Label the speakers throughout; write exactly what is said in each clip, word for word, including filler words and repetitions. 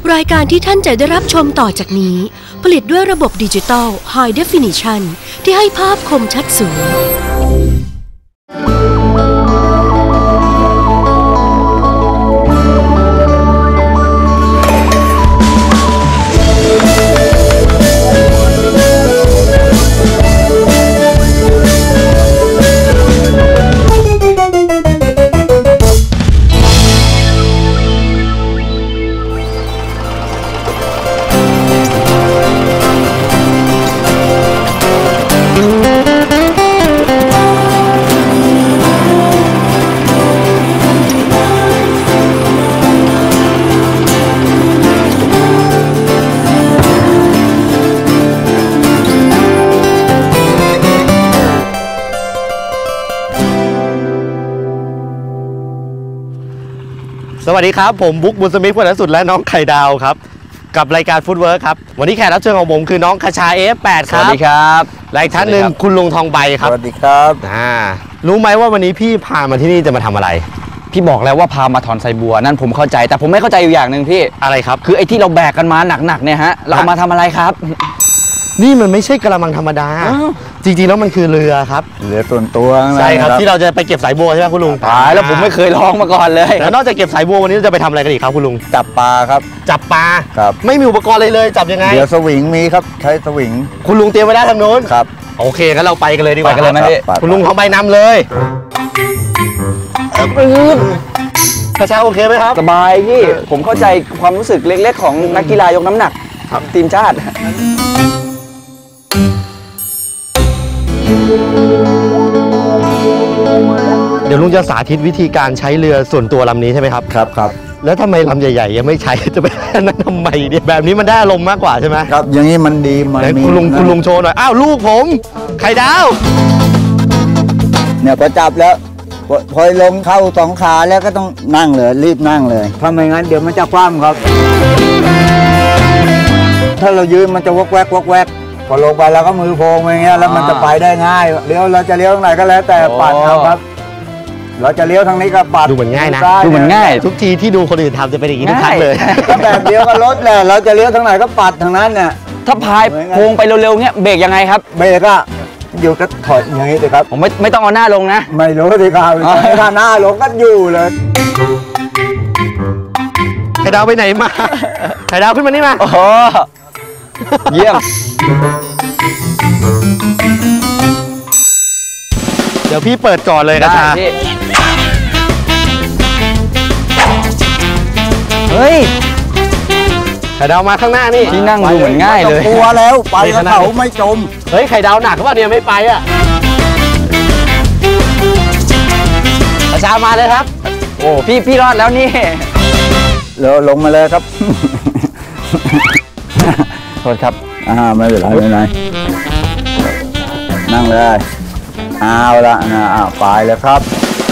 Speaker 1: รายการที่ท่านจะได้รับชมต่อจากนี้ผลิตด้วยระบบดิจิตอล High Definition ที่ให้ภาพคมชัดสูง
Speaker 2: สวัสดีครับผมบุ๊กบุญสมิทธิ์ผู้สุดและน้องไข่ดาวครับกับรายการฟู้ดเวิร์คครับวันนี้แขกรับเชิญของผมคือน้องคชา เอฟ แปด ครับสวัสดีครับและอีกท่านหนึ่งคุณลุงทองใบครับสวัสดีครับอ่ารู้ไหมว่าวันนี้พี่พามาที่นี่จะมาทำอะไร
Speaker 3: พี่บอกแล้วว่าพามาถอนไซบัวนั่นผมเข้าใจแต่ผมไม่เข้าใจอยู่อย่างหนึ่งพี่
Speaker 2: อะไรครับ
Speaker 3: คือไอ้ที่เราแบกกันมาหนักๆเนี่ยฮะเรามาทำอะไรครับ
Speaker 2: นี่มันไม่ใช่กระมังธรรมดาจริงๆแล้วมันคือเรือครับ
Speaker 4: เรือส่วนตัว
Speaker 2: ใช่ครับที่เราจะไปเก็บสายบัวใช่ไหมคุณลุง
Speaker 3: ตายแล้วผมไม่เคยลองมาก่อนเลย
Speaker 2: แล้วนอกจากเก็บสายบัววันนี้เราจะไปทำอะไรกันอีกครับคุณลุง
Speaker 4: จับปลาครับ
Speaker 2: จับปลา
Speaker 4: ครับ
Speaker 2: ไม่มีอุปกรณ์เลยเลยจับยังไง
Speaker 4: เรือสวิงมีครับใช้สวิง
Speaker 2: คุณลุงเตรียมไว้ได้ทางโน้น
Speaker 4: ครับ
Speaker 2: โอเคงั้นเราไปกันเลยดีกว่า
Speaker 3: ไปกันเลยไหมพี่
Speaker 2: คุณลุงทองใบนำเลยกระเช้าโอเคไหมครับ
Speaker 3: สบายพี่ผมเข้าใจความรู้สึกเล็กๆของนักกีฬายกน้ำหนักทีมชาติ
Speaker 2: เดี๋ยวลุงจะสาธิตวิธีการใช้เรือส่วนตัวลำนี้ใช่ไหมครับ
Speaker 4: ครับครับ
Speaker 2: แล้วทำไมลำใหญ่ๆยังไม่ใช้จะไปนั้นทำไมเนี่ยแบบนี้มันได้อารมณ์มากกว่าใช่ไหม
Speaker 4: ครับอย่างนี้มันดีมันมี
Speaker 2: คุณลุงคุณลุงโชว์หน่อยอ้าวลูกผมไข่ดาว
Speaker 4: เนี่ยพอจับแล้วพอลงเข้าสองขาแล้วก็ต้องนั่งเลยรีบนั่งเลยถ้าไม่งั้นเดี๋ยวมันจะคว่ำครับถ้าเรายืนมันจะวกแวกวกแวกพอลงไปแล้วก็มือโพงอย่างเงี้ยแล้วมันจะไปได้ง่ายเลี้ยวเราจะเลี้ยวทางไหนก็แล้วแต่ปัดเอาครับเราจะเลี้ยวทางนี้ก็ปัด
Speaker 2: ดูเหมือนง่ายนะ
Speaker 3: ดูเหมือนง่าย
Speaker 2: ทุกทีที่ดูคนอื่นทำจะเป็นอย่างนี้ทุกครั้งเลย
Speaker 4: แบบเดียวกับรถแหละเราจะเลี้ยวทางไหนก็ปัดทางนั้นเนี่ย
Speaker 3: ถ้าพายโพงไปเร็วๆเงี้ยเบรกยังไงครับ
Speaker 4: เบรกอะอยู่ก็ถอยอย่างนี้สิครับ
Speaker 3: ผมไม่ไม่ต้องเอาหน้าลงนะ
Speaker 4: ไม่รู้สิครับถ้าหน้าลงก็อยู่เลย
Speaker 2: ไข่ดาวไปไหนมาไข่ดาวขึ้นมานี่มา
Speaker 3: โอ้เยี่ยม
Speaker 2: เดี๋ยวพี่เปิดก่อนเลยกระชา
Speaker 3: เฮ้ย
Speaker 2: ไข่ดาวมาข้างหน้านี่
Speaker 3: ที่นั่งดูเหมือนง่ายเลย
Speaker 4: กลัวแล้วไปแล้วเขาไม่จม
Speaker 2: เฮ้ยไข่ดาวหนักก็ว่าเนี่ยไม่ไปอ่ะกระชามาเลยครับ
Speaker 3: โอ้พี่พี่รอดแล้วนี่
Speaker 4: เร็วลงมาเลยครับโทษครับอ่าไม่เป็นไรไม่เป็นไรนั่งเลยเอาละนะอ่าไปแล้วครับ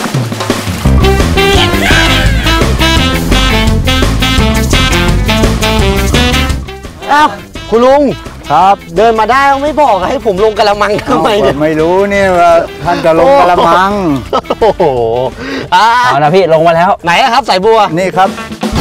Speaker 2: อ้าวคุณลุง
Speaker 4: ครับ
Speaker 2: เดินมาได้ไม่บอกให้ผมลงกระมังทำไมเนี่ย
Speaker 4: ไม่รู้นี่ว่าท่านจะลงกระมัง
Speaker 2: โอ้โห
Speaker 3: เอาละพี่ลงมาแล้ว
Speaker 2: ไหนครับสายบัว
Speaker 4: นี่ครับ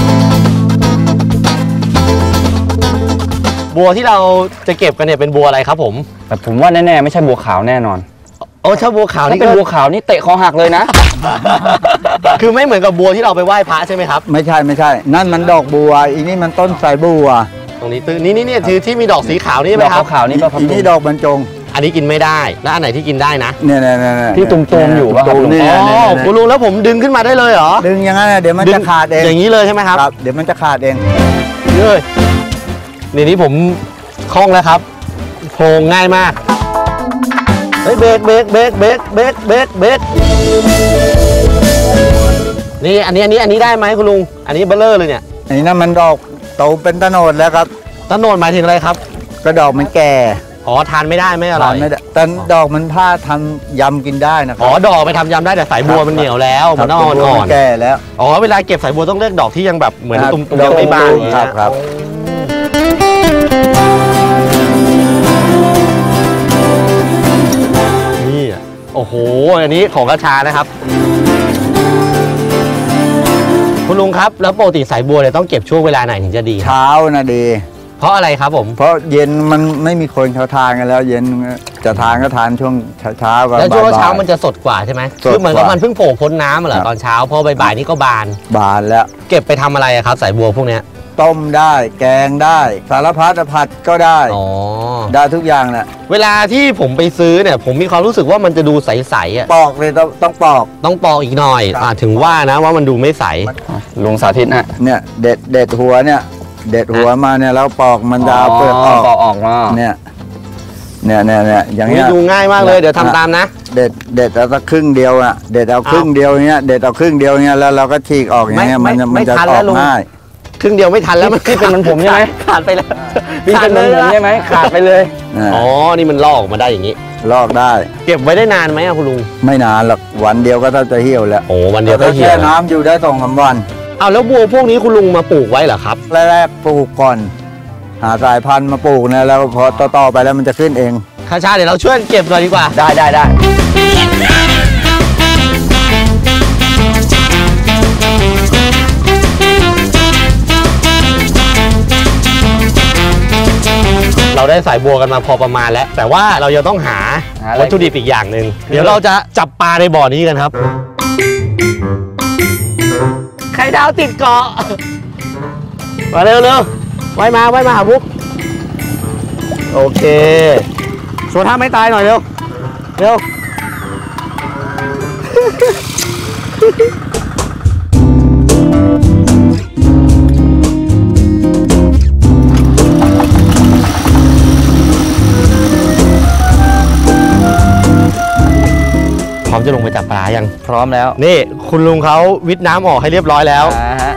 Speaker 2: บัวที่เราจะเก็บกันเนี่ยเป็นบัวอะไรครับผม
Speaker 3: แต่ผมว่าแน่ๆไม่ใช่บัวขาวแน่นอน
Speaker 2: โอ้ถ้าบัวขาวนี่
Speaker 3: เป็นบัวขาวนี่เตะคอหักเลยนะ
Speaker 2: คือไม่เหมือนกับบัวที่เราไปไหว้พระใช่ไหมครับ
Speaker 4: ไม่ใช่ไม่ใช่นั่นมันดอกบัวอีนี่มันต้นสายบัว
Speaker 2: ตรงนี้ตื้อนี่นี่นี่ที่ที่มีดอกสีขาวนี่ไหมครับ
Speaker 3: ขาวนี่
Speaker 4: อีนี่ดอกบรรจง
Speaker 2: อันนี้กินไม่ได้แล้วอันไหนที่กินได้นะ
Speaker 4: เนี่ยเนี่ยเนี่ย
Speaker 3: ที่ตุ่มๆอยู่ป่ะครับ
Speaker 2: อ๋อคุณลุงแล้วผมดึงขึ้นมาได้เลยเหรอ
Speaker 4: ดึงอย่างนั้นเดี๋ยวมันจะขาดเอง
Speaker 2: อย่างนี้เลยใช่ไหมครับ
Speaker 4: ครับเดี๋ยวมันจะขาดเอง
Speaker 2: เลยนี่นี่ผมคล่องแล้วครับโพงง่ายมากเฮ้ยเบรกเบรกเบรกเบรกเบรกเบรกเบรกนี่อันนี้อันนี้อันนี้ได้ไหมคุณลุงอันนี้เบลเลอร์เลยเนี่ย
Speaker 4: อันนี้นั่นมันดอกโตเป็นตะโนดแล้วครับ
Speaker 2: ตะโนดหมายถึงอะไรครับ
Speaker 4: ก็ดอกมันแก่
Speaker 2: อ๋อทานไม่ได้ไม่อร่อยไม่ได้
Speaker 4: แต่ดอกมันผ้าทำยำกินได้นะครับ
Speaker 2: อ๋อดอกไปทำยำได้แต่สายบัวมันเหนียวแล้วมันอ่อนอ่อน
Speaker 4: แก่แล้ว
Speaker 2: อ๋อเวลาเก็บสายบัวต้องเลือกดอกที่ยังแบบเหมือนตุ้มๆยังไม่บาน
Speaker 4: ครับครับ
Speaker 2: นี่โอ้โหอันนี้ของกระชานะครับคุณลุงครับแล้วปกติสายบัวเนี่ยต้องเก็บช่วงเวลาไหนถึงจะดี
Speaker 4: เช้านะดี
Speaker 2: เพราะอะไรครับผม
Speaker 4: เพราะเย็นมันไม่มีคนเขาทานกันแล้ว เย็นจะทานก็ทานช่วงเช้าๆกับ
Speaker 2: แล้วช่วง
Speaker 4: บ่ายๆ
Speaker 2: เช้ามันจะสดกว่าใช่ไหม
Speaker 4: สดกว่า
Speaker 2: คือเหมือนกับมันเพิ่งโผล่พ้นน้ำเหร
Speaker 4: ครั
Speaker 2: อบ ตอนเช้าพอบ่ายๆนี่ก็บาน
Speaker 4: บานแล้ว
Speaker 2: เก็บไปทำอะไรอะครับสายบัวพวกเนี้ย
Speaker 4: ต้มได้แกงได้สารพัดผัดก็ได้
Speaker 2: อ๋อ
Speaker 4: ได้ทุกอย่างแหละ
Speaker 2: เวลาที่ผมไปซื้อเนี่ยผมมีความรู้สึกว่ามันจะดูใสๆอ่ะ
Speaker 4: ปอกเลยต้องต้องปอก
Speaker 2: ต้องปอกอีกหน่อย
Speaker 4: ครับ
Speaker 2: อ่าถึงว่านะว่ามันดูไม่ใส
Speaker 3: ลุงสาธิตนะ
Speaker 4: เนี่ยเด็ดเด็ดหัวเนี่ย เด็ดหัวมาเนี่ยแล้วปอกมันจะเอาเปลือกออก
Speaker 3: ปอกออกมา
Speaker 4: เนี่ยเนี่ยเนี่ยเนี่ยอย่างเงี้ย
Speaker 2: ดูง่ายมากเลยเดี๋ยวทำตามนะ
Speaker 4: เด็ดเด็ดเอาสักครึ่งเดียวอ่ะเด็ดเอาครึ่งเดียวเงี้ยเด็ดเอาครึ่งเดียวเงี้ยแล้วเราก็ฉีกออกอย่างเงี้ย
Speaker 2: ไม่
Speaker 4: มันจะ
Speaker 2: ไม่
Speaker 4: มันจะ
Speaker 2: ทัน
Speaker 4: อ
Speaker 2: แล้
Speaker 4: อ
Speaker 2: ว
Speaker 4: ก
Speaker 2: ลุง
Speaker 4: ง่าย
Speaker 2: ครึ่งเดียวไม่ทันแล้วมัน
Speaker 3: พี่เป็นเหมือนผมใช่ไหม
Speaker 2: ขาดไปแล้ว
Speaker 3: พี่เป็นเหมือนผมใช่ไหมขาดไปเลย
Speaker 4: นะ
Speaker 2: อ๋อนี่มันลอกออกมาได้อย่างนี้
Speaker 4: ลอกได้
Speaker 2: เก็บไว้ได้นานไหมอะคุณลุง
Speaker 4: ไม่นานหรอกวันเดียวก็ถ้าจะเหี่ยวแล้ว
Speaker 2: โอ้วันเดียวก็
Speaker 4: ถ้า
Speaker 2: เหี่ย
Speaker 4: แช่
Speaker 2: ว
Speaker 4: น้ำอยู่ได้สองสามวัน
Speaker 2: เอาแล้วบัวพวกนี้คุณลุงมาปลูกไว้เหรอครับ
Speaker 4: แรกๆปลูกก่อน หาสายพันธุ์มาปลูกนะแล้วพอต่อๆไปแล้วมันจะขึ้นเอง
Speaker 2: ข้าชาเดี๋ยวเราช่วยเก็บหน่อยดีกว่า
Speaker 3: ได้ได้ได้
Speaker 2: เราได้สายบัวกันมาพอประมาณแล้ว แต่ว่าเรายังต้องหาวัตถุดิบอีกอย่างหนึ่งเดี๋ยวเราจะจับปลาในบ่อนี้กันครับไข่ดาวติดเกาะมาเร็วเร็วไว้มาไว้มาหาบุ๊กโอเคชวนท่าไม่ตายหน่อยเร็วเร็ว พร้อมจะลงไปจับปลายัง
Speaker 3: พร้อมแล้ว
Speaker 2: นี่คุณลุงเขาวิทน้ำออกให้เรียบร้อยแล้ว
Speaker 3: อ่าฮะ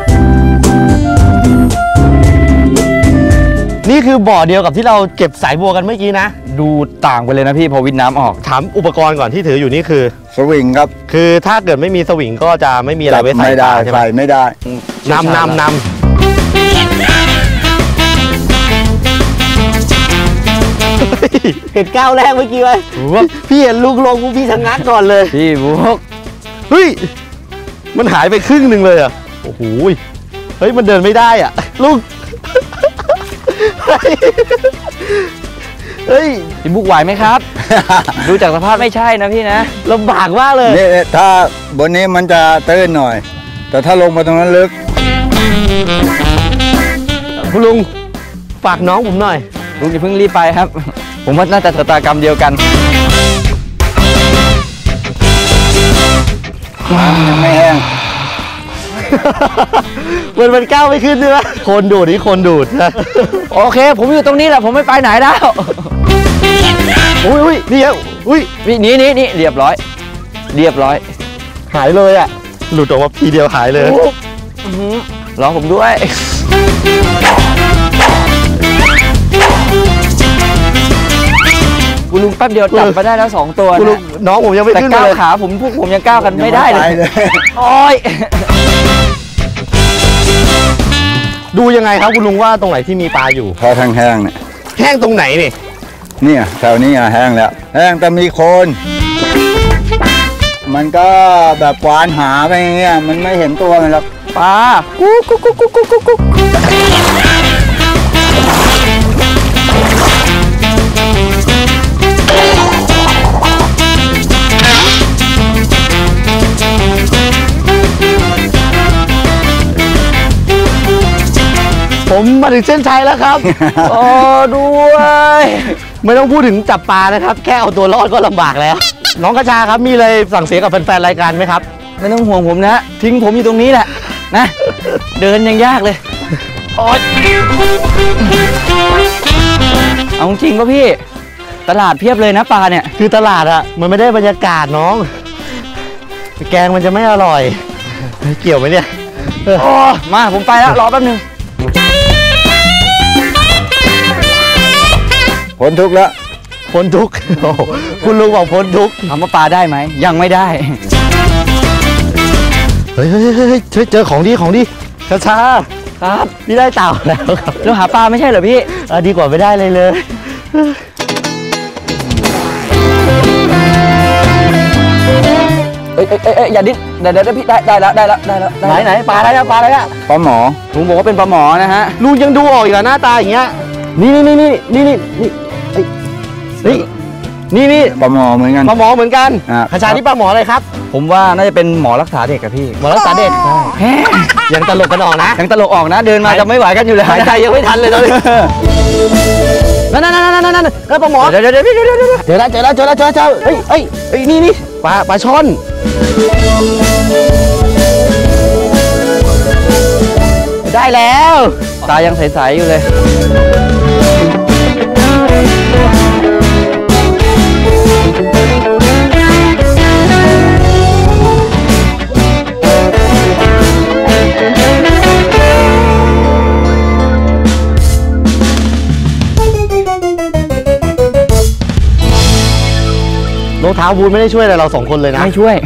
Speaker 2: นี่คือบ่อเดียวกับที่เราเก็บสายบัวกันเมื่อกี้นะ
Speaker 3: ดูต่างไปเลยนะพี่พอวิทน้ำออก
Speaker 2: ถามอุปกรณ์ก่อนที่ถืออยู่นี่คือ
Speaker 4: สวิงครับ
Speaker 2: คือถ้าเกิดไม่มีสวิงก็จะไม่มีอะไรไว้ใส่
Speaker 4: ไม่
Speaker 2: ป
Speaker 4: ได้
Speaker 2: ลาใช่ไหม
Speaker 4: ใส่ไม่ได้
Speaker 2: นำนำนำเห็นก้าวแรกเมื่อกี้ไหมพี่เห็นลูกลงพี่ชะงักก่อนเลย
Speaker 3: พี่บุ๊ก
Speaker 2: เฮ้ยมันหายไปครึ่งหนึ่งเลยอ่ะโอ้โหเฮ้ยมันเดินไม่ได้อ่ะลูกเฮ้ย
Speaker 3: พี่บุ๊กไหวไหมครับ ดูจากสภาพไม่ใช่นะพี่นะ
Speaker 2: ลำบากมากเลย
Speaker 4: นี่ถ้าบนนี้มันจะตื้นหน่อย แต่ถ้าลงมาตรงนั้นลึก
Speaker 2: คุณลุงฝากน้องผมหน่อย
Speaker 3: ลุงอย่าเพิ่งรีบไปครับ ผมว่าน่าจะชะตากรรมเดียวกัน
Speaker 4: ยังไม่แห้ง
Speaker 2: มันมันก้าวไม่ขึ้นใช่ไหมคนดูดนี่คนดูดนะ
Speaker 3: โอเค ผมอยู่ตรงนี้แหละผมไม่ไปไหนแล้ว
Speaker 2: อุ้ยอุ้ยนี่ครับอุ้ย
Speaker 3: นี่นี่นี่นี่เรียบร้อย เรียบร้อย
Speaker 2: หายเลยอ่ะหลุดออกมาทีเดียวหายเลย
Speaker 3: อื้อหือรอผมด้วย คุณลุงแป๊บเดียวจับมาได้แล้วสองตัว
Speaker 2: คุณลุง
Speaker 3: นะ
Speaker 2: น้องผมยังไม่
Speaker 3: แต่
Speaker 2: ขึ้น
Speaker 3: ก้าว
Speaker 2: เลย
Speaker 3: ขาผมพวกผมยังก้าวกันไม่ได้เลย
Speaker 4: ยังไม่ไปเลย
Speaker 3: โอ้ย
Speaker 2: ดูยังไงครับคุณลุงว่าตรงไหนที่มีปลาอยู่
Speaker 4: พอแห้งๆเนี่ย
Speaker 2: แห้งตรงไหนนี่
Speaker 4: เนี่ยแถวนี้อ่ะแห้งแล้ว แห้งแต่มีโคน มันก็แบบควานหาไปอย่างเงี้ยมันไม่เห็นตัวมันหรอก
Speaker 3: ปลากุ๊กกุ๊กกุ๊กกุ๊กกุ๊กกุ๊ก
Speaker 2: ผมมาถึงเส้นชัยแล้วครับ
Speaker 3: โอ้ด้วย
Speaker 2: ไม่ต้องพูดถึงจับปลานะครับ แค่เอาตัวรอดก็ลำบากแล้ว น้องกระชาครับมีอะไรสั่งเสียกับแฟนๆรายการไหมครับ
Speaker 3: ไม่ต้องห่วงผมนะทิ้งผมอยู่ตรงนี้แหละนะเดินยังยากเลยโอ๊ยเอาจริงป่ะพี่ ตลาดเพียบเลยนะปลาเนี่ย
Speaker 2: คือตลาดอะมันไม่ได้บรรยากาศน้อง แกงมันจะไม่อร่อย เกี่ยวไหมเนี่ยเออ
Speaker 3: โอ้มาผมไปแล้วรอแป๊บนึง
Speaker 4: พ้นทุกข์แล้ว
Speaker 2: พ้นทุกข์โอ้โหคุณลุงบอกพ้นทุกข์
Speaker 3: ถามว่าปลาได้ไหมยังไม่ได้
Speaker 2: เฮ้ยเฮ้ยเฮ้ยเฮ้ยเฮ้ยเจอของดีของดีกระชา
Speaker 3: ครับ
Speaker 2: พี่ได้เต่าแล้วครับ
Speaker 3: เราหาปลาไม่ใช่เหรอพี่
Speaker 2: เออดีกว่าไม่ได้เลยเลย
Speaker 3: เอ้ยเอ้ยเอ้ยเอ้ยอย่าดิ้นเดี๋ยวเดี๋ยวพี่ได้ได้แล้วได้แล้วได้แล้ว
Speaker 2: ไหนไหนปลาอะไรอะปลาอะไรอะ
Speaker 4: ปลาหมอ
Speaker 3: ลุงบอกว่าเป็นปลาหมอนะฮะ
Speaker 2: ลุงยังดูออกอีกเหรอหน้าตาอย่างเงี้ยนี่นี่นี่นี่นี่นี่เฮ้ยนี่นี่
Speaker 4: ปลาหมอเหมือนกัน
Speaker 2: ปลาหมอเหมือนกัน
Speaker 4: อ่า
Speaker 2: ขชาที่ปลาหมออะไรครับ
Speaker 3: ผมว่าน่าจะเป็นหมอรักษาเด็กกับพี่
Speaker 2: หมอรักษาเด็กยังตลกกันออกนะ
Speaker 3: ยังตลกออกนะ เดินมาจะไม่ไหวกันอยู่แล้ว
Speaker 2: หายใจยังไม่ทันเลยตอนนี้นั่นนั่นนั่นนั่นนั่นนั่นปลาหมอ
Speaker 3: เดี๋ยวเดี๋ยวเดี๋ยวเดี๋ยวเดี๋ยว
Speaker 2: เจอแล้วเจอแล้วเจอแล้วเจอแล้วเจอเฮ้ยเฮ้ยเฮ้ยนี่นี่ปลาปลาช่อนได้แล้ว
Speaker 3: ตายังใสๆอยู่เลย
Speaker 2: รองเท้าบูทไม่ได้ช่วยอะไรเราสองคนเลยนะ
Speaker 3: ไม่ช่วย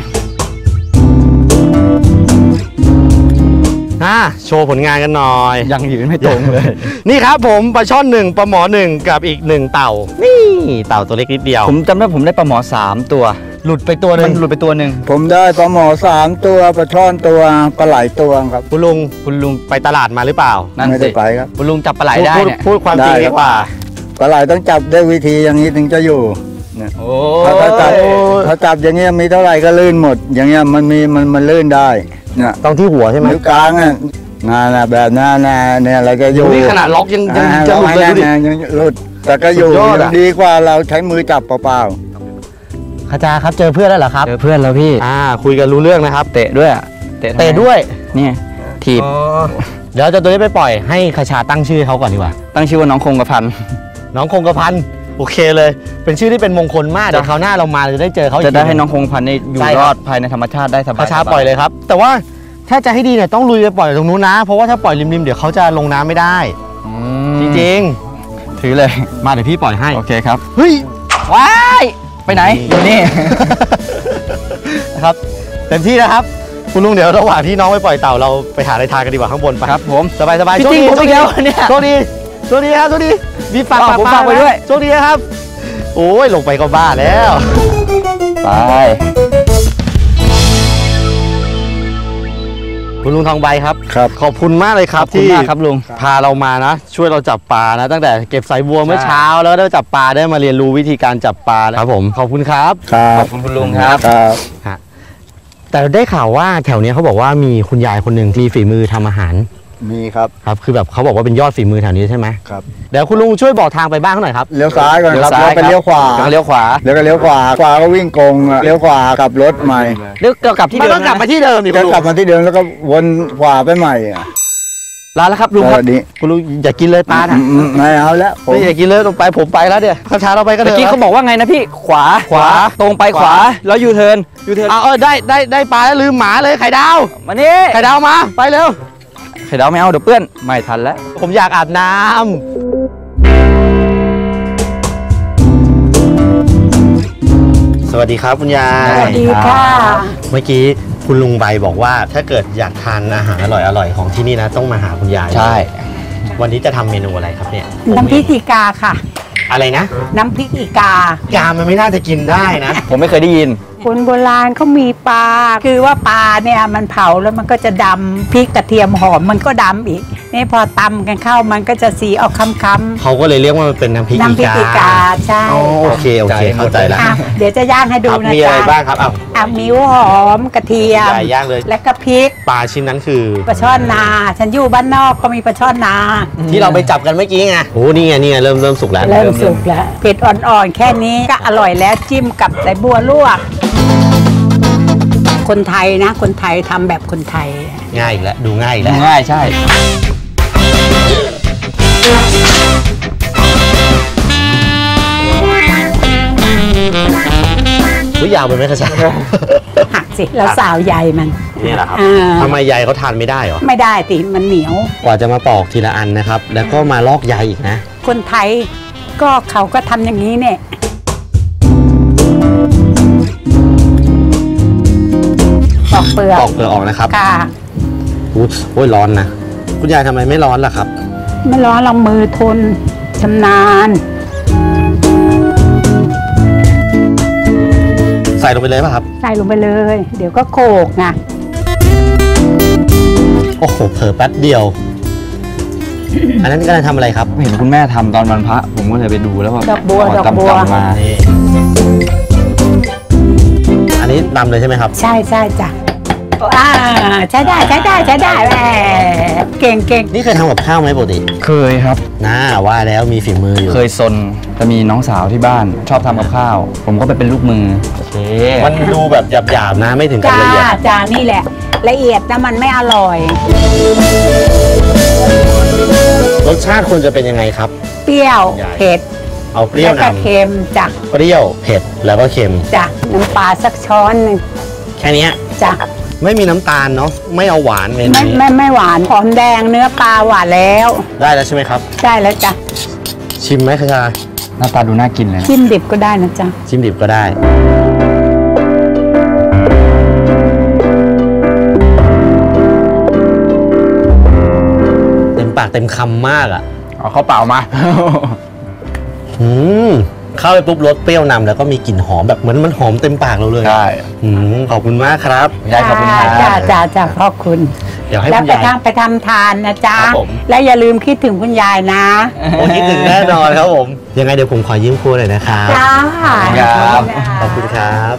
Speaker 2: อ่าโชว์ผลงานกันหน่อย
Speaker 3: ยังยืนไม่ตรงเลย
Speaker 2: นี่ครับผมปลาช่อนหนึ่งปลาหมอหนึ่งกับอีกหนึ่งเต่านี่เต่าตัวเล็กนิดเดียว
Speaker 3: ผมจำได้ผมได้ปลาหมอสามตัว
Speaker 2: หลุดไปตัวหนึ่
Speaker 3: มั
Speaker 2: ง
Speaker 3: นหลุดไปตัวหนึ่ง
Speaker 4: ผมได้ปลาหมอสามตัวปลาช่อนตัวปลาไหลตัวครับ
Speaker 2: คุณลุงคุณลุงไปตลาดมาหรือเปล่า
Speaker 3: นั่น
Speaker 4: ไม่
Speaker 3: สิ
Speaker 4: ได้ไปครับ
Speaker 3: คุณลุงจับปลาไหลได้
Speaker 2: พูด
Speaker 3: เนี่ย
Speaker 2: พูดความจริง
Speaker 4: ได้
Speaker 2: ดีกว่า
Speaker 4: ปลาไหลต้องจับด้วยวิธีอย่างนี้ถึงจะอยู่เนี่ย
Speaker 3: โอ้
Speaker 4: ถ้าถ้าจับถ้าจับอย่างเงี้ยมีเท่าไหร่ก็ลื่นหมด อย่างเงี้ยมันมีมันมันลื่นได้เนี่ย
Speaker 2: ต้องที่หัวใช่ไหม
Speaker 4: นิ้วกลางอ่ะนั่นนะแบบนั้นนะเนี่ยเราจะอยู่
Speaker 2: นี่ขนาดล็อกยังยัง
Speaker 4: อ่า
Speaker 2: จะหลุดเลยดูดิ
Speaker 4: ราให้แน่นๆยังหลุดแต่ก็อยู่
Speaker 2: สุดยอดอะ
Speaker 4: ดีกว่าเราใช้มือจับเปล่า
Speaker 2: ขจาครับเจอเพื่อนแล้วเหรอครับ
Speaker 3: เจอเพื่อนแล้วพี่
Speaker 2: อ่าคุยกันรู้เรื่องนะครับ
Speaker 3: เตะด้วยอะเตะทำไม
Speaker 2: เตะด้วย
Speaker 3: นี่ถีบ
Speaker 2: เดี๋ยวจะตัวนี้ไปปล่อยให้ขชาตั้งชื่อเขาก่อนดีกว่า
Speaker 3: ตั้งชื่อว่าน้องคงกระพัน
Speaker 2: น้องคงกระพันโอเคเลย เป็นชื่อที่เป็นมงคลมากเดี๋ยวคราวหน้าเรามาเราจะได้เจอเขาอีก
Speaker 3: จะได้
Speaker 2: ที
Speaker 3: ให้น้องคงกระพันได้อยู่
Speaker 2: ใช่
Speaker 3: ร
Speaker 2: ค
Speaker 3: อ
Speaker 2: รับ
Speaker 3: ดภายในธรรมชาติได้สบาย
Speaker 2: ขชาปล่อยเลยครับ แต่ว่าถ้าจะให้ดีเนี่ยต้องลุยไปปล่อยตรงนู้นนะ เพราะว่าถ้าปล่อยริมๆเดี๋ยวเขาจะลงน้ำไม่ได้
Speaker 3: อื
Speaker 2: จ
Speaker 3: ม
Speaker 2: ริง
Speaker 3: ถือเลย
Speaker 2: ๆมาเดี๋ยวพี่ปล่อยให้
Speaker 3: โอเคครับ
Speaker 2: เฮ้ย
Speaker 3: ว้ายไปไหนอยู่นี่
Speaker 2: นะครับเต็มที่นะครับ คุณลุงเดี๋ยวระหว่างที่น้องไปปล่อยเต่าเราไปหาอะไรทานกันดีกว่าข้างบนไป
Speaker 3: ครับผม
Speaker 2: สบายสบาย
Speaker 3: พี่จริงผมอีกแล้วเนี่ย
Speaker 2: โชคดีโชคดีครับโชคดีมีฝาก
Speaker 3: อ้าวผมฝากไว้ด้วย
Speaker 2: โชคดีครับโอ้ยลงไปก็บ้าแล้ว
Speaker 3: ไป
Speaker 2: คุณลุงทองใบครับ
Speaker 4: ๆครับ
Speaker 2: ขอบคุณมากเลยค
Speaker 3: ข
Speaker 2: รั
Speaker 3: อ
Speaker 2: บบ
Speaker 3: คุณ
Speaker 2: ที่
Speaker 3: มากครับลุง
Speaker 2: พาเรามานะ ช่วยเราจับปลานะ ตั้งแต่เก็บสายบัวเมื่อเช้าแล้วก็ได้จับปลาได้มาเรียนรู้วิธีการจับปลานะครับผมขอบคุณครับ
Speaker 4: ครั
Speaker 3: ข
Speaker 4: บ
Speaker 3: อบคุณคุณลุงครับ
Speaker 4: ครับ
Speaker 2: แต่ได้ข่าวว่าแถวเนี้ยเขาบอกว่ามีคุณยายคนหนึ่งมีฝีมือทำอาหาร
Speaker 4: มีครับ
Speaker 2: ครับคือแบบเขาบอกว่าเป็นยอดฝีมือแถวนี้ใช่ไหม
Speaker 4: ครับ
Speaker 2: เดี๋ยวคุณลุงช่วยบอกทางไปบ้านเขาหน่อยครับ
Speaker 4: เลี้ยวซ้ายก่อน
Speaker 3: เลี้ยว
Speaker 4: ครับ
Speaker 3: ซ้าย
Speaker 4: แล้วไปเลี้ยวขวา
Speaker 3: แล้วก็เลี้ยวขวา
Speaker 4: แล้วก็เลี้ยวขวาขวาก็วิ่งกงอ่ะเลี้ยวขวากลับรถใหม่
Speaker 3: เลี้ยวกลับที่
Speaker 2: มัน
Speaker 3: เดิ
Speaker 2: ต้
Speaker 3: ม
Speaker 2: องกลับมา
Speaker 3: นะ
Speaker 2: ที่เดิมดิคุ
Speaker 4: แล้
Speaker 2: ณ
Speaker 4: ว
Speaker 2: ลุง
Speaker 4: กลับมาที่เดิมแล้วก็วนขวาไปใหม่อ่ะ
Speaker 3: ลาแล้วครับลุง
Speaker 4: ส
Speaker 3: ครับ
Speaker 4: วัสดี
Speaker 2: คุณลุงอย่ากินเลยปลา
Speaker 4: อื
Speaker 2: น่ะ
Speaker 4: มอืมไม่เอาแล้วผม
Speaker 2: ไม่อย่ากินเลยลงไปผมไปแล้วเดี๋ยวข้าช้าเราไปก็
Speaker 3: เมื่
Speaker 2: เดิ
Speaker 3: อน กี้เขาบอกว่าไงนะพี่ขวา
Speaker 2: ขวา
Speaker 3: ตรงไปขวา
Speaker 2: ขวา
Speaker 3: แล้วยูเทิร์นยูเทิร์น
Speaker 2: เอาเออได้ได้ได้ปลาแล้วลืมหมาเลยไข่ดาว
Speaker 3: มานี่
Speaker 2: ไข่ดาวมาไปเร็ว
Speaker 3: ไข่ดาวไม่เอาเดี๋ยวเปื้อนไม่ทันแล้ว
Speaker 2: ผมอยากอาบน้ำสวัสดีครับคุณยาย
Speaker 3: สวัสดีค่ะ
Speaker 2: เมื่อกี้คุณลุงใบบอกว่าถ้าเกิดอยากทานอาหารอร่อยๆของที่นี่นะต้องมาหาคุณยาย
Speaker 3: ใช่
Speaker 2: วันนี้จะทำเมนูอะไรครับเนี่ย
Speaker 5: น้ำพริกอีกาค่ะ
Speaker 2: อะไรนะ
Speaker 5: น้ำพริกอีกา
Speaker 2: กามันไม่น่าจะกินได้นะ
Speaker 3: ผมไม่เคยได้ยิน
Speaker 5: คนโบราณเขามีปลา คือว่าปลาเนี่ยมันเผาแล้วมันก็จะดำพริกกระเทียมหอมมันก็ดำอีก นี่พอตำกันเข้ามันก็จะสีออกค้ำ
Speaker 2: เขาก็เลยเรียกว่ามันเป็นน้ำพริก
Speaker 5: ๆน้ำพริกอีกาใช่
Speaker 2: อ๋อโอเคโอเคเข้าใจแล้ว
Speaker 5: อ่ะเดี๋ยวจะย่างให้ดู
Speaker 2: ครับ
Speaker 5: นะ
Speaker 2: มีอะไร
Speaker 5: จ๊ะ
Speaker 2: บ้างครับอ้าว
Speaker 5: อ่ะมิ้วหอมกระเทียม
Speaker 2: ยายย่างเลย
Speaker 5: และก็พริก
Speaker 2: ปลาชิ้นนั้นคือ
Speaker 5: ปลาช่อนนา ฉันอยู่บ้านนอกก็มีปลาช่อนนา
Speaker 2: ที่เราไปจับกันเมื่อกี้ไงโอ้นี่ไงนี่ไงเริ่มเริ่มสุกแล้ว
Speaker 5: เริ่มสุกแล้วเผ็ดอ่อนๆแค่นี้ก็อร่อยแล้วจิ้มกับสายบัวลวก คนไทยนะ คนไทยทำแบบคนไทย
Speaker 2: ง่ายอีกแล้วดูง่ายอีกแล้ว
Speaker 3: ง่ายใช่
Speaker 2: อุ้ยยาวไปไหมคะจ๊ะ
Speaker 5: หักสิแล้วสาวใยมัน
Speaker 2: นี่แหละครับ
Speaker 5: อ่า
Speaker 2: ทำไมใยเขาทานไม่ได้เหรอ
Speaker 5: ไม่ได้สิมันเหนียว
Speaker 2: กว่าจะมาปอกทีละอันนะครับ แล้วก็มาลอกใยอีกนะ
Speaker 5: คนไทยก็เขาก็ทำอย่างนี้เนี่ยปอกเปลือก
Speaker 2: ปอกเปลือกออกนะครับ
Speaker 5: ค่ะ
Speaker 2: อุ๊ยโอ้ยร้อนนะ คุณยายทำไมไม่ร้อนล่ะครับ
Speaker 5: ไม่ร้อนเรามือทนชำนาญ
Speaker 2: ใส่ลงไปเลยป่ะครับ
Speaker 5: ใส่ลงไปเลย เดี๋ยวก็โขลกนะ
Speaker 2: โอ้โหเผลอแป๊บเดียวอันนั้นกำลังทำอะไรครับ
Speaker 3: เห็นคุณแม่ทำตอนวันพระผมก็เลยไปดูแล้วว่า
Speaker 5: ดอกบัวดอกบัว
Speaker 3: มา
Speaker 2: อันนี้ดำเลยใช่ไหมครับ
Speaker 5: ใช่ใช่จ้ะอ่าใช้ได้ใช้ได้ใช้ได้แหมเก่งเก่ง
Speaker 2: นี่เคยทำกับข้าวไหมปกติ
Speaker 3: เคยครับ
Speaker 2: น่าว่าแล้วมีฝีมืออยู่
Speaker 3: เคยซนจะมีน้องสาวที่บ้านชอบทำกับข้าวผมก็ไปเป็นลูกมือโอเค
Speaker 2: มันดูแบบหยาบๆนะไม่ถึงกับละเอียด
Speaker 5: จ้านี่แหละละเอียดแต่มันไม่อร่อย
Speaker 2: รสชาติควรจะเป็นยังไงครับ
Speaker 5: เปรี้ยวเผ็ด
Speaker 2: เอาเปรี้ยวนำ
Speaker 5: แล้วก็เค็มจ้ะ
Speaker 2: เปรี้ยวเผ็ดแล้วก็เค็ม
Speaker 5: จ้ะน้ำปลาสักช้อนนึง
Speaker 2: แค่นี้
Speaker 5: จ้ะ
Speaker 2: ไม่มีน้ำตาลเนาะไม่เอาหวานเมนู
Speaker 5: ไม่ไม่ไม่หวานหอมแดงเนื้อปลาหวานแล้ว
Speaker 2: ได้แล้วใช่ไหมครับ
Speaker 5: ได้แล้วจ้ะ
Speaker 2: ชิมไหมคะ
Speaker 3: หน้าตาดูน่ากินเลย
Speaker 5: ชิมดิบก็ได้นะจ๊ะ
Speaker 2: ชิมดิบก็ได้เต็มปากเต็มคำมากอ่ะ
Speaker 3: เอาข้าวเปล่ามา
Speaker 2: อืมเข้าไปปุ๊บรสเปรี้ยวนำแล้วก็มีกลิ่นหอมแบบเหมือนมันหอมเต็มปากเราเลย
Speaker 3: ใช่
Speaker 2: ขอบคุณมากครับ
Speaker 3: ยายขอบคุณครับ
Speaker 5: จ้าจ้าจ้าพ่อคุณ
Speaker 2: เดี๋ยวให้
Speaker 5: คุณยายไปทำทานนะจ๊ะและอย่าลืมคิดถึงคุณยายนะ
Speaker 2: โอ้คิดถึงแน่นอนครับผมยังไงเดี๋ยวผมขอยืมครัวหน่อยนะครับ
Speaker 5: จ้า
Speaker 2: ขอบคุณครับ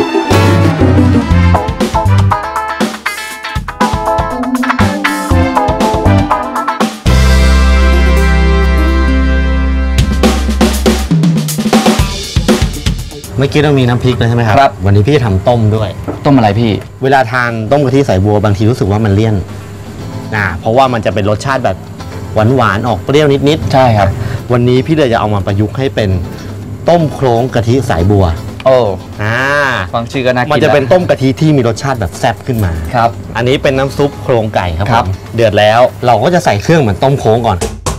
Speaker 2: เมื่อกี้เรามีน้ำพริกแล้วใช่ไหมครับ
Speaker 3: ครับ
Speaker 2: วันนี้พี่จะทำต้มด้วย
Speaker 3: ต้มอะไรพี่
Speaker 2: เวลาทานต้มกะทิสายบัวบางทีรู้สึกว่ามันเลี่ยนอ่าเพราะว่ามันจะเป็นรสชาติแบบหวานๆออกเปรี้ยวนิด
Speaker 3: ๆใช่ครับ
Speaker 2: วันนี้พี่เลยจะเอามาประยุกต์ให้เป็นต้มโครงกะทิสายบัว
Speaker 3: โอ้
Speaker 2: อ่า
Speaker 3: ฟังชื่อก็น่ากิน
Speaker 2: มันจะเป็นต้มกะทิที่มีรสชาติแบบแซ่บขึ้นมา
Speaker 3: ครับ
Speaker 2: อันนี้เป็นน้ำซุปโครงไก่ครับ
Speaker 3: ครับ
Speaker 2: เดือดแล้วเราก็จะใส่เครื่องเหมือนต้มโค้งก่อน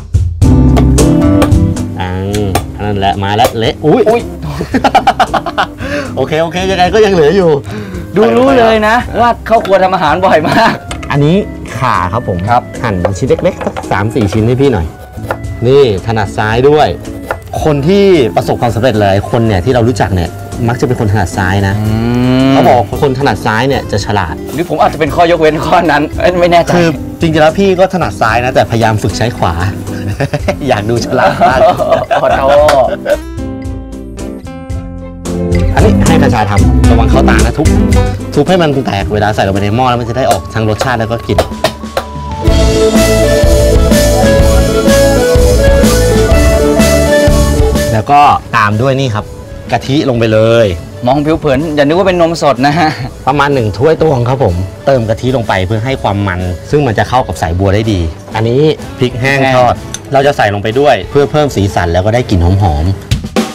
Speaker 2: อ่านั่นแหละมาแล้วเละอุ้ยอุ้ยโอเคโอเคยังไงก็ยังเหลืออยู่
Speaker 3: ดูรู้เลยนะว่าเข้าครัวทำอาหารบ่อยมาก
Speaker 2: อันนี้ข่าครับผม
Speaker 3: ครับ
Speaker 2: หั่นชิ้นเล็กๆสักสามสี่ชิ้นให้พี่หน่อยนี่ถนัดซ้ายด้วยคนที่ประสบความสำเร็จหลายคนเนี่ยที่เรารู้จักเนี่ยมักจะเป็นคนถนัดซ้ายนะเขาบอกคนถนัดซ้ายเนี่ยจะฉลาด
Speaker 3: หรือผมอาจจะเป็นข้อยกเว้นข้อนั้นไม่แน่ใจ
Speaker 2: คือจริงๆแล้วพี่ก็ถนัดซ้ายนะแต่พยายามฝึกใช้ขวาอยากดูฉลาดมาก
Speaker 3: ขอโทษ
Speaker 2: อันนี้ให้กระชายทำระวังเข้าตานะทุบทุบให้มันแตกเวลาใส่ลงไปในหม้อแล้วมันจะได้ออกทั้งรสชาติแล้วก็กลิ่นแล้วก็ตามด้วยนี่ครับกะทิลงไปเลย
Speaker 3: มองผิวเผินอย่านึกว่าเป็นนมสดนะฮะ
Speaker 2: ประมาณหนึ่งถ้วยตวงครับผมเติมกะทิลงไปเพื่อให้ความมันซึ่งมันจะเข้ากับสายบัวได้ดีอันนี้พริกแห้งทอดเราจะใส่ลงไปด้วยเพื่อเพิ่มสีสันแล้วก็ได้กลิ่นหอมๆ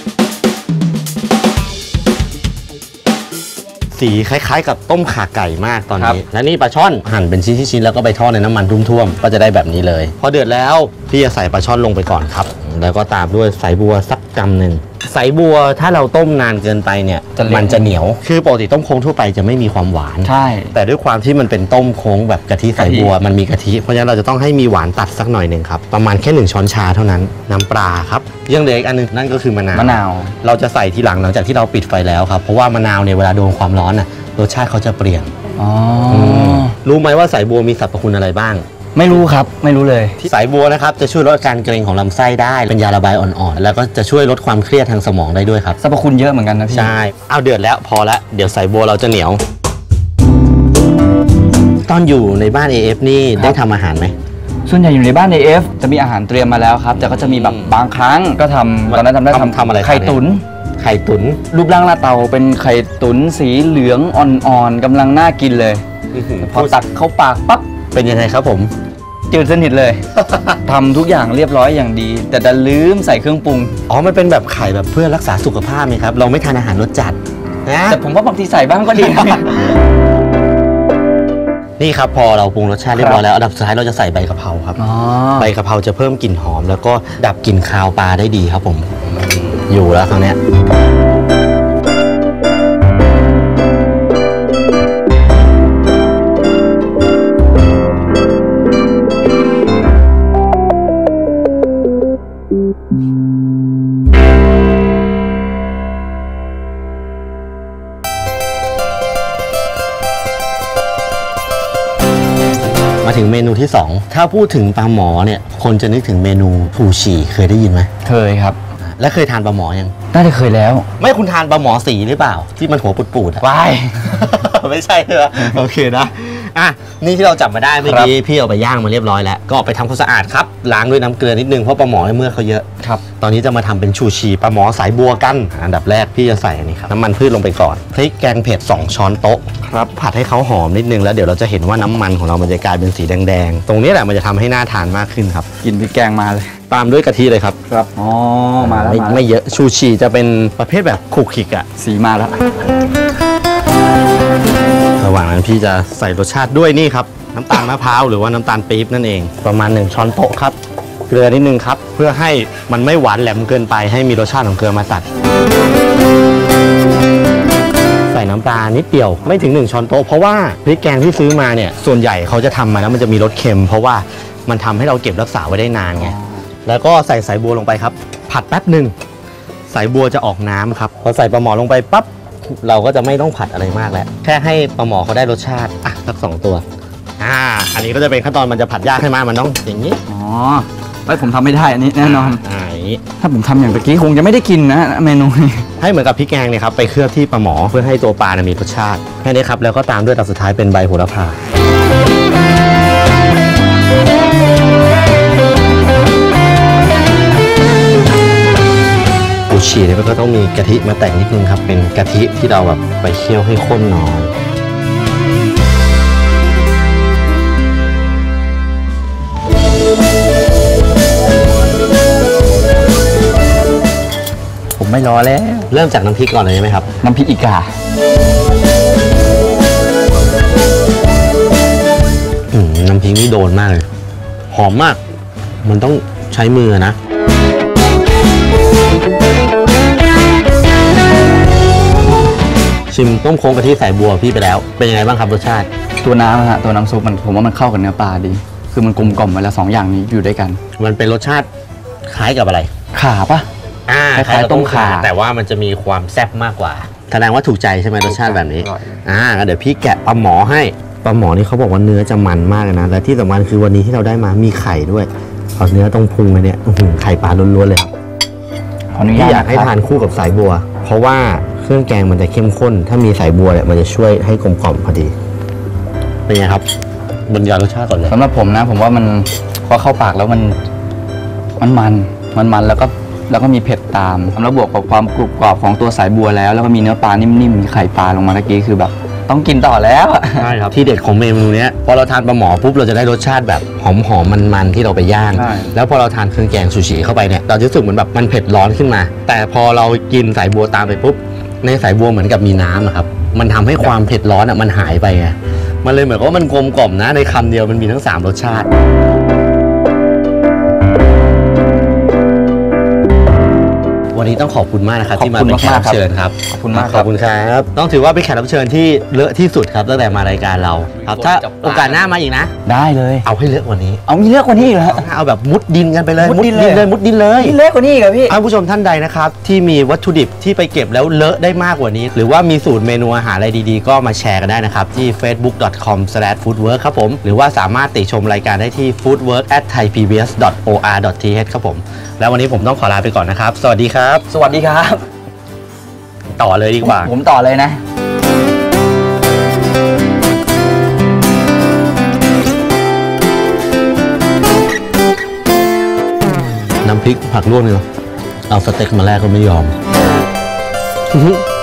Speaker 2: สีคล้ายๆกับต้มข่าไก่มากตอนนี้และนี่ปลาช่อนหั่นเป็นชิ้นๆแล้วก็ไปทอดในน้ำมันท่วมๆก็จะได้แบบนี้เลยพอเดือดแล้วพี่จะใส่ปลาช่อนลงไปก่อนครับแล้วก็ตามด้วยสายบัวสักกำหนึ่งสายบัวถ้าเราต้มนานเกินไปเนี่ยมันจะเหนียวคือปกติต้มโค้งทั่วไปจะไม่มีความหวาน
Speaker 3: ใช่
Speaker 2: แต่ด้วยความที่มันเป็นต้มโค้งแบบกะทิสายบัวมันมีกะทิเพราะฉะนั้นเราจะต้องให้มีหวานตัดสักหน่อยหนึ่งครับประมาณแค่หนึ่งช้อนชาเท่านั้นน้ำปลาครับยังเหลืออีกอันนึงนั่นก็คือมะนาว
Speaker 3: มะนาว
Speaker 2: เราจะใส่ทีหลังหลังจากที่เราปิดไฟแล้วครับเพราะว่ามะนาวเนี่ยเวลาโดนความร้อนน่ะรสชาติเขาจะเปลี่ยน
Speaker 3: อ๋อ
Speaker 2: รู้ไหมว่าสายบัวมีสรรพคุณอะไรบ้าง
Speaker 3: ไม่รู้ครับไม่รู้เลย
Speaker 2: สายบัวนะครับจะช่วยลดอาการเกร็งของลำไส้ได้เป็นยาระบายอ่อนๆแล้วก็จะช่วยลดความเครียดทางสมองได้ด้วยครับ
Speaker 3: สรรพคุณเยอะเหมือนกันนะพี่
Speaker 2: ใช่เอาเดือดแล้วพอละเดี๋ยวสายบัวเราจะเหนียวตอนอยู่ในบ้าน เอ เอฟ นี่ได้ทำอาหารไหม
Speaker 3: ส่วนใหญ่อยู่ในบ้าน เอ เอฟ จะมีอาหารเตรียมมาแล้วครับแต่ก็จะมีแบบบางครั้งก็ทำตอนนั้นทำได้ทำ
Speaker 2: ทำอะไร
Speaker 3: ไข่ตุ๋น
Speaker 2: ไข่ตุ๋น
Speaker 3: รูปร่างหน้าเตาเป็นไข่ตุ๋นสีเหลืองอ่อนๆกำลังน่ากินเลยพอตักเข้าปากปั๊บ
Speaker 2: เป็นยังไงครับผม
Speaker 3: จืดสนิทเลยทำทุกอย่างเรียบร้อยอย่างดีแต่ดันลืมใส่เครื่องปรุง
Speaker 2: อ๋อมันเป็นแบบไข่แบบเพื่อรักษาสุขภาพไหมครับเราไม่ทานอาหารรสจัด
Speaker 3: นะแต่ผมว่าบางทีใส่บ้างก็ดี
Speaker 2: นี่ครับพอเราปรุงรสชาติเรียบร้อยแล้วอันดับสุดท้ายเราจะใส่ใบกะเพราครับใบกะเพราจะเพิ่มกลิ่นหอมแล้วก็ดับกลิ่นคาวปลาได้ดีครับผมอยู่แล้วคราวนี้ที่สองถ้าพูดถึงปลาหมอเนี่ยคนจะนึกถึงเมนูชูชีเคยได้ยินไหม
Speaker 3: เคยครับ
Speaker 2: และเคยทานปลาหมอยัง
Speaker 3: น่าจะเคยแล้ว
Speaker 2: ไม่คุณทานปลาหมอสีหรือเปล่าที่มันหัวปูดๆอะ
Speaker 3: ว้าย
Speaker 2: ไม่ใช่เหรอโอเคนะอ่ะนี่ที่เราจับมาได้เมื่อกี้พี่เอาไปย่างมาเรียบร้อยแล้วก็เอาไปทำความสะอาดครับล้างด้วยน้ำเกลือนิดนึงเพราะปลาหมอในเมื่อเขาเยอะ
Speaker 3: ครับ
Speaker 2: ตอนนี้จะมาทำเป็นชูชีปลาหมอสายบัวกันอันดับแรกพี่จะใส่อันนี้ครับน้ำมันพืชลงไปก่อนพริกแกงเผ็ดสองช้อนโต๊ะครับผัดให้เขาหอมนิดนึงแล้วเดี๋ยวเราจะเห็นว่าน้ำมันของเรามันจะกลายเป็นสีแดงๆตรงนี้แหละมันจะทำให้น่าทานมากขึ้นครับ
Speaker 3: กินพริกแกงมาเลย
Speaker 2: ตามด้วยกะทิเลยครับ
Speaker 3: ครับอ๋อมาแล้ว
Speaker 2: ไม่
Speaker 3: มาแล้ว
Speaker 2: ไม่เยอะชูชีจะเป็นประเภทแบบขลุกขลิกอะ
Speaker 3: สีมาแล้ว
Speaker 2: ระหว่างนั้นพี่จะใส่รสชาติด้วยนี่ครับน้ำตาลมะพร้าวหรือว่าน้ำตาลปี๊บนั่นเองประมาณหนึ่งช้อนโต๊ะครับเกลือนิดนึงครับเพื่อให้มันไม่หวานแหลมเกินไปให้มีรสชาติของเกลือมาตัดใส่น้ำปลานิดเดียวไม่ถึงหนึ่งช้อนโต๊ะเพราะว่าพริกแกงที่ซื้อมาเนี่ยส่วนใหญ่เขาจะทำมาแล้วมันจะมีรสเค็มเพราะว่ามันทำให้เราเก็บรักษาไว้ได้นานไงแล้วก็ใส่สายบัวลงไปครับผัดแป๊บหนึ่งสายบัวจะออกน้ำครับพอใส่ปลาหมอลงไปปั๊บเราก็จะไม่ต้องผัดอะไรมากแล้วแค่ให้ปลาหมอเขาได้รสชาติอ่ะสักสองตัวอ่าอันนี้ก็จะเป็นขั้นตอนมันจะผัดยากให้มากมันต้องอย่างนี้
Speaker 3: อ๋อไว้ผมทำไม่ได้อันนี้แน่นอน
Speaker 2: อ่าอย่างนี้
Speaker 3: ถ้าผมทำอย่างตะกี้คงจะไม่ได้กินนะเมนูนี้
Speaker 2: ให้เหมือนกับพริกแกงเนี่ยครับไปเคลือบที่ปลาหมอเพื่อให้ตัวปลาเนี่ยมีรสชาติแค่นี้ครับแล้วก็ตามด้วยตัดสุดท้ายเป็นใบโหระพาปูชีเนี่ยก็ต้องมีกะทิมาแต่งนิดนึงครับเป็นกะทิที่เราแบบไปเคี่ยวให้ข้นหน่อย
Speaker 3: ผมไม่รอแล้ว
Speaker 2: เริ่มจากน้ำพริกก่อนเลยใช่ไหมครับ
Speaker 3: น้ำพริกอีกา
Speaker 2: อืมน้ำพริกนี่โดนมากเลยหอมมากมันต้องใช้มือนะชิมต้มโค้งกะทิสายบัวพี่ไปแล้วเป็นยังไงบ้างครับรสชาติ
Speaker 3: ตัวน้ำฮะตัวน้ำซุปมันผมว่ามันเข้ากับเนื้อปลาดี คือมันกลมกล่อมไปแล้วสองอย่างนี้อยู่ด้วยกัน
Speaker 2: มันเป็นรสชาติคล้ายกับอะไร
Speaker 3: ขาปะ
Speaker 2: อ่า
Speaker 3: คล้ายๆต้มข่า
Speaker 2: แต่ว่ามันจะมีความแซ่บมากกว่าแสดงว่าถูกใจใช่ไหมรสชาติแบบนี้อ่างั้นเดี๋ยวพี่แกะปลาหมอให้ปลาหมอนี่เขาบอกว่าเนื้อจะมันมากเลยนะและที่สำคัญคือวันนี้ที่เราได้มามีไข่ด้วยเอาเนื้อตรงพุงเลยเนี่ยอื้อหือไข่ปลาล้วนๆเลยครับ
Speaker 3: ขออนุ
Speaker 2: พี่
Speaker 3: ญาต
Speaker 2: อยากให้
Speaker 3: ะครับ
Speaker 2: ทานคู่กับสายบัว เพราะว่าเครื่องแกงมันจะเข้มข้น ถ้ามีสายบัวเนี่ยมันจะช่วยให้กลมกล่อมพอดีเป็นไงครับบรรยายรสชาติก่อนเลย
Speaker 3: สำหรับผมนะ ผมว่ามันพอเข้าปากแล้วมันมันมันมันมันแล้วก็แล้วก็มีเผ็ดตามแล้วบวกกับความกรุบกรอบของตัวสายบัวแล้วแล้วก็มีเนื้อปลานิ่มๆมีไข่ปลาลงมาตะกี้คือแบบ ต้องกินต่อแล้ว
Speaker 2: ใช่ครับที่เด็ดของเมนูเนี้ยพอเราทานปลาหมอปุ๊บเราจะได้รสชาติแบบหอมหอมมันมันๆที่เราไปย่าง
Speaker 3: ใช่
Speaker 2: แล้วพอเราทานเครื่องแกงซูชิเข้าไปเนี่ยเราจะรู้สึกเหมือนแบบมันเผ็ดร้อนขึ้นมา แต่พอเรากินสายบัวตามไปปุ๊บในสายบัวเหมือนกับมีน้ำอะครับมันทำให้ความเผ็ดร้อนอะมันหายไปไงมันเลยเหมือนกับว่ามันกลมกล่อมนะในคำเดียวมันมีทั้งสามรสชาติวันนี้ต้องขอบคุณมากนะครับที่มาเป็นแขกรับเชิญครับ
Speaker 3: ขอบคุณมาก
Speaker 2: ขอบคุณครับต้องถือว่าเป็นแขกรับเชิญที่เลอะที่สุดครับตั้งแต่มารายการเราครับถ้าโอกาสหน้ามาอีกนะ
Speaker 3: ได้เลย
Speaker 2: เอาให้เลอะกว่านี้
Speaker 3: เอามีเลือกกว่านี้อีกเหรอ
Speaker 2: เอาแบบมุดดินกันไปเลย
Speaker 3: มุดดินเลย
Speaker 2: เลยมุดดินเลย
Speaker 3: มีเลือกกว่านี้อีกเหรอพี่
Speaker 2: ท่านผู้ชมท่านใดนะครับที่มีวัตถุดิบที่ไปเก็บแล้วเลอะได้มากกว่านี้ หรือว่ามีสูตรเมนูอาหารอะไรดีๆ ก็มาแชร์กันได้นะครับที่ เฟซบุ๊ก ดอท คอม สแลช ฟู้ดเวิร์ค ครับผมหรือว่าสามารถติชมรายการได้ที่ ฟู้ดเวิร์ค แอท ไทยพีบีเอส ดอท โออาร์ ดอท ทีเอช ครับผมแล้ววันนี้ผมต้องขอลาไปก่อนนะครับสวัสดีครับ
Speaker 3: สวัสดีครับ
Speaker 2: ต่อเลยดีกว่า
Speaker 3: ผมต่อเลยนะ
Speaker 2: น้ำพริกผักลวกเนี่ยเอาสเต็กมาแลกก็ไม่ยอม